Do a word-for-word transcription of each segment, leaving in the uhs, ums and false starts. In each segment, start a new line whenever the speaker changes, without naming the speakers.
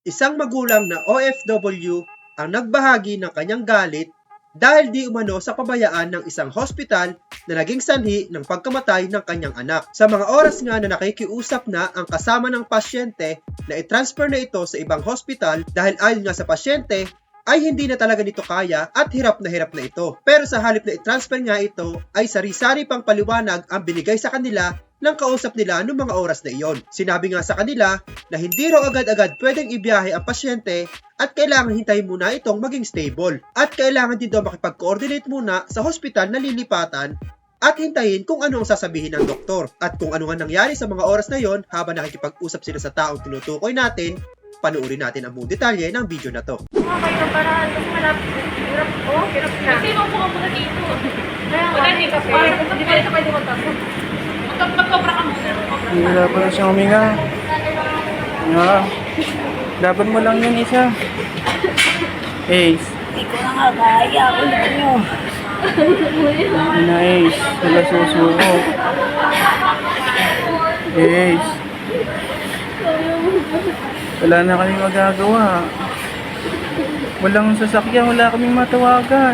Isang magulang na O F W ang nagbahagi ng kanyang galit dahil di umano sa pabayaan ng isang hospital na naging sanhi ng pagkamatay ng kanyang anak. Sa mga oras nga na nakikiusap na ang kasama ng pasyente na i-transfer na ito sa ibang hospital dahil ayon nga sa pasyente ay hindi na talaga nito kaya at hirap na hirap na ito. Pero sa halip na i-transfer nga ito ay sari-sari pang paliwanag ang binigay sa kanila ng kausap nila noong mga oras na iyon. Sinabi nga sa kanila na hindi raw agad-agad pwedeng ibiyahe ang pasyente at kailangan hintayin muna itong maging stable. At kailangan din daw makipag-coordinate muna sa hospital na lilipatan at hintayin kung ano ang sasabihin ng doktor. At kung ano nga nangyari sa mga oras na iyon habang nakikipag-usap sila sa taong tinutukoy natin, panuorin natin ang buong detalye ng video na to.
Okay ng paraan kasi malapit. Hirap. Oh, hirap na.
Kasi nung pumunta dito.
Kaya nga,
Wala din kasi.
Hindi ka rin pwede magtapos.
Magkobra ka muna.
Wala pa na siyang huminga. Ah, dapat mo lang yan isa. Ace.
Hindi ko na nga kaya. Ulit nyo.
Ina Ace. Wala susuko. Ace. Wala na kaming magagawa. Walang sasakyan, wala kaming matawagan.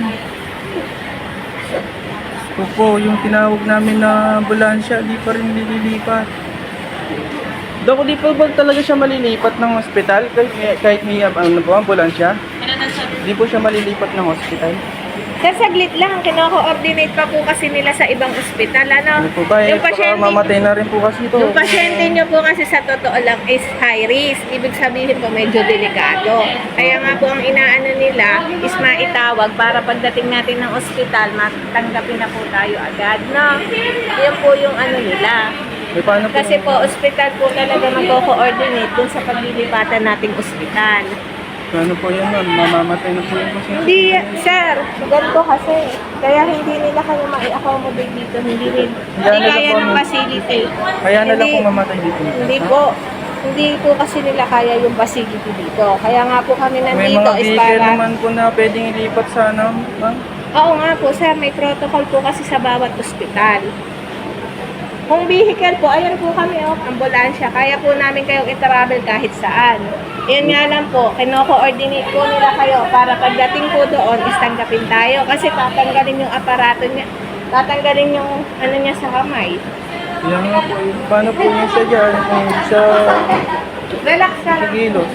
Opo, yung tinawag namin na ambulansya, di pa rin nililipat. Dok, di pa ba talaga siya malilipat ng ospital? Kahit, kahit may ano po, ambulansya? Di po siya malilipat ng ospital?
Sir, saglit lang. Kino-coordinate pa po kasi nila sa ibang ospital. Ano?
Ano po ba? Eh,
Yung
baka
pasyente,
mamatay na rin po kasi ito.
yung pasyente nyo po kasi sa totoo lang is high risk. Ibig sabihin po medyo delikado. Kaya nga po ang inaano nila is maitawag para pagdating natin ng ospital, matanggapin na po tayo agad. No? Yan po yung ano nila.
Eh, paano po?
Kasi po, ospital po talaga magko-coordinate dun sa paglilipatan nating ospital.
Paano po yan, ma'am? Mamamatay na po yung pasyente.
Hindi, sir. Ganito kasi. Kaya hindi nila kayo ma-accommodate dito. Hindi rin. Hindi
na lang
kaya
po,
ng
ma'am.
facility.
Kaya na lang
Hindi-
po mamatay dito.
Hindi po. Hindi po kasi nila kaya yung facility dito. Kaya nga po kami
May
nandito
mga
is
vehicle
para...
naman po na pwedeng ilipat sana, ma'am.
Oo nga po, sir. May protocol po kasi sa bawat ospital. Kung vehicle po, ayan po kami, oh, ambulansya. Kaya po namin kayong i-travel kahit saan. Yan nga lang po, kino-coordinate po nila kayo para pagdating po doon, is tanggapin tayo. Kasi tatanggalin yung aparato niya, tatanggalin yung ano niya sa kamay.
Yan nga po. eh. Paano po niya siya dyan? Kung hindi siya
Relax ka
sa
lang.
gilos.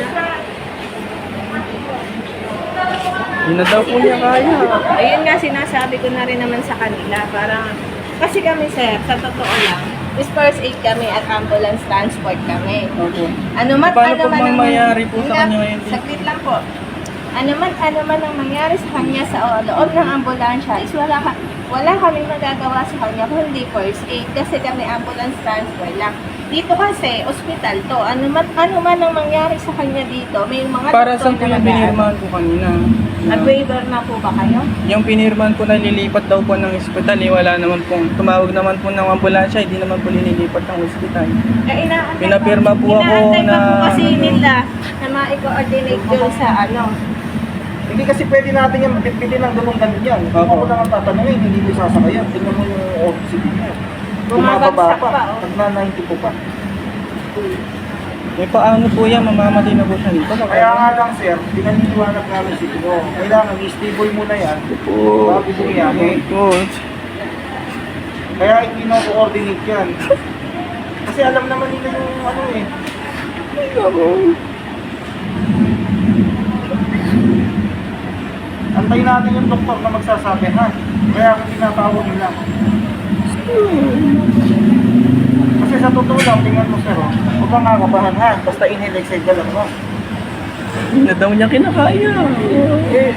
Hindi na daw po niya kaya.
Ayun nga, sinasabi ko na rin naman sa kanila. Parang, kasi kami sir, sa totoo lang, is first aid kami at ambulance transport kami.
Opo.
Ano man,
Paano
ano
po
man
bang
ang-
mangyari po sa
Hindi,
kanya ngayon?
Saglit lang po. Ano man, ano man ang mangyari sa kanya sa o- loob ng ambulansya, is wala, ka, wala kaming magagawa sa kanya kung hindi first aid kasi kami ambulance transfer lang. Dito kasi, ospital to. Ano man, ano man ang mangyari sa kanya dito, may mga
Para
doktor
saan po
na
yung
nag-
pinirmahan po kanina?
Nag-waiver na po ba kayo?
Yung pinirmahan po na lilipat daw po ng ospital, eh, wala naman po. Tumawag naman po ng ambulansya, hindi naman po linilipat ng ospital.
Eh, inaantay
Pinapirma po ako
inaantay pa
na-
po kasi nila na ma-coordinate yun sa ano.
Hindi kasi pwede natin yan mapitpitin ng ganun ganun yan. Kung
Opo.
ako lang ang tatanungin, hindi ko sasakayan. Tingnan mo yung oxygen mo.
Bumabagsak
Bumababa
pa,
pa.
oh.
Nag-ninety po pa.
Eh, paano po yan? Mamamatay na po siya dito.
Kaya nga lang sir, pinaniniwanag namin sa inyo. Kailangan i-stable muna yan.
Oo.
Bago bumiyahe.
Good.
Kaya hindi na coordinate yan. Kasi alam naman nila yung ano eh. Antayin natin yung doktor na magsasabi ha. Kaya ako tinatawag nila. Kasi sa totoo lang, tingnan mo sir, oh. Huwag kang kakabahan ha. Basta inhale, exhale ka lang mo.
Hindi na daw niya kinakaya.
Eh,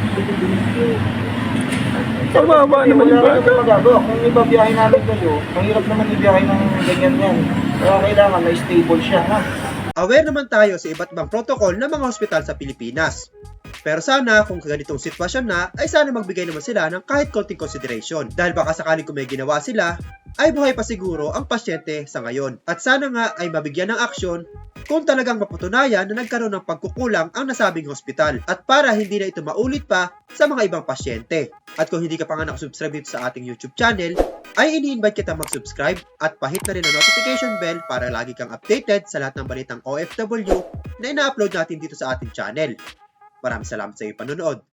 Pababa naman yung
wala
bata.
kang magagawa. Kung ibabiyahe namin kayo, mahirap naman ibiyahe ng ganyan yan. Kaya kailangan na stable siya ha.
Aware naman tayo sa iba't ibang protocol ng mga hospital sa Pilipinas. Pero sana kung ganitong sitwasyon na, ay sana magbigay naman sila ng kahit konting consideration. Dahil baka sakaling kung may ginawa sila, ay buhay pa siguro ang pasyente sa ngayon. At sana nga ay mabigyan ng aksyon kung talagang mapatunayan na nagkaroon ng pagkukulang ang nasabing hospital at para hindi na ito maulit pa sa mga ibang pasyente. At kung hindi ka pa nga nakasubscribe dito sa ating YouTube channel, ay ini-invite kita mag-subscribe at pahit na rin ang notification bell para lagi kang updated sa lahat ng balitang O F W na ina-upload natin dito sa ating channel. Maraming salamat sa iyong panonood.